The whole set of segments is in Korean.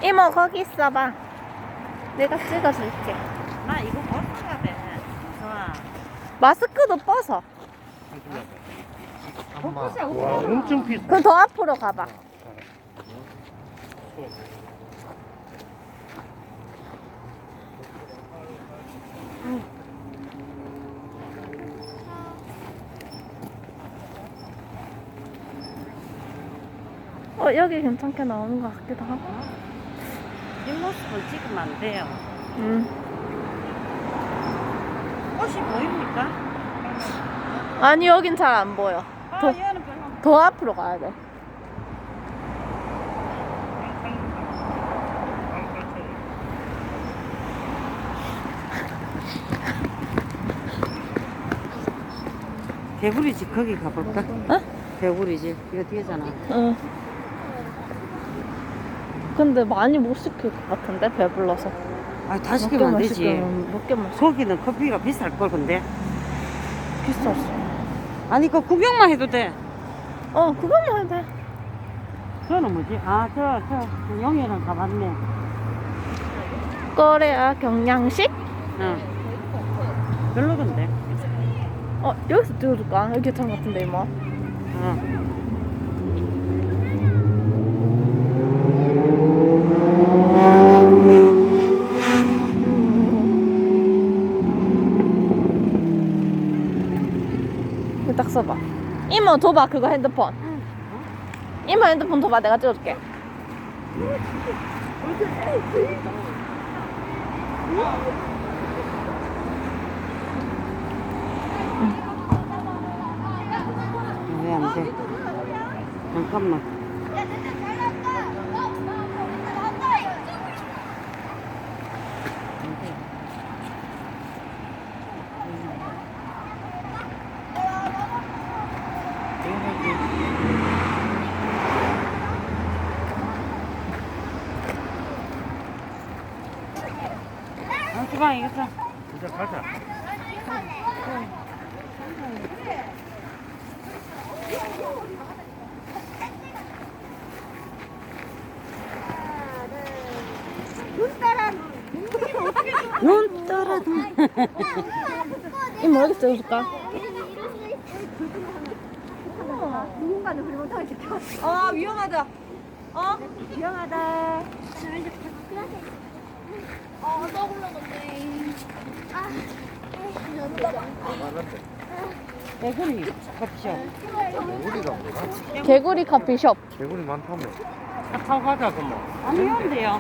이모 거기 있어봐. 내가 찍어줄게. 나 이거 벗어야 돼. 좋아. 마스크도 벗어. 와, 엄청 비싸. 그럼 더 앞으로 가봐. 여기 괜찮게 나오는 것 같기도 하고. 뒷모습을 찍으면 안 돼요. 꽃이 보입니까? 아니 여긴 잘 안 보여. 더, 얘는 별로. 더 앞으로 가야 돼. 개구리집 거기 가볼까? 어? 개구리집 이거 뒤에잖아. 응. 근데 많이 못 시킬 것 같은데 배불러서. 아, 다 시키면 안 되지. 몇 개만 시켜. 거기는 커피가 비쌀 걸 근데. 비쌌어. 아니 그 구경만 해도 돼. 그것만 해도 돼. 그거는 뭐지? 아, 저 영예랑 가봤네. 거래야 경양식? 응. 별로던데. 여기서 찍어줄까? 여기 괜찮은 것 같은데 이모. 응. 이거 딱 써봐. 이모 줘봐 그거 핸드폰. 이모 핸드폰 줘봐 내가 찍어줄게. 왜 안 돼? 잠깐만. 주방 이겼어. 이제 가자. 눈 떨어도. 이모 여기 찍어줄까? 누군가는 그리 못하게 지켜. 위험하다. 위험하다. 떠올라 건데. 개구리 커피숍. 개구리가 뭐야? 개구리 커피숍. 개구리 많다며. 타고 가자, 그럼. 안 위험한데요.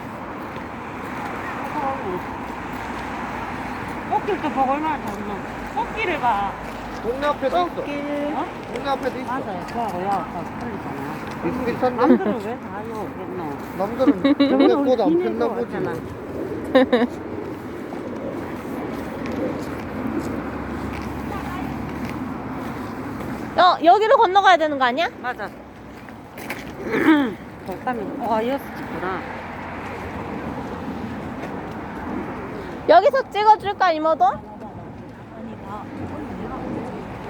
꽃길도 보고 얼마나 좋나. 꽃길을 봐. 동네 앞에도 있어. 꽃길. 동네 앞에도 있어. 맞아요. 저하고 야하고 틀리잖아. 비슷비슷한데? 남들은 왜 다 이거 오겠노? 남들은 동네 꽃 안 폈나 보지. 왔잖아. 여기로 건너가야 되는 거 아니야? 맞아. 덕담이. 이었구나. 여기서 찍어줄까 이모도?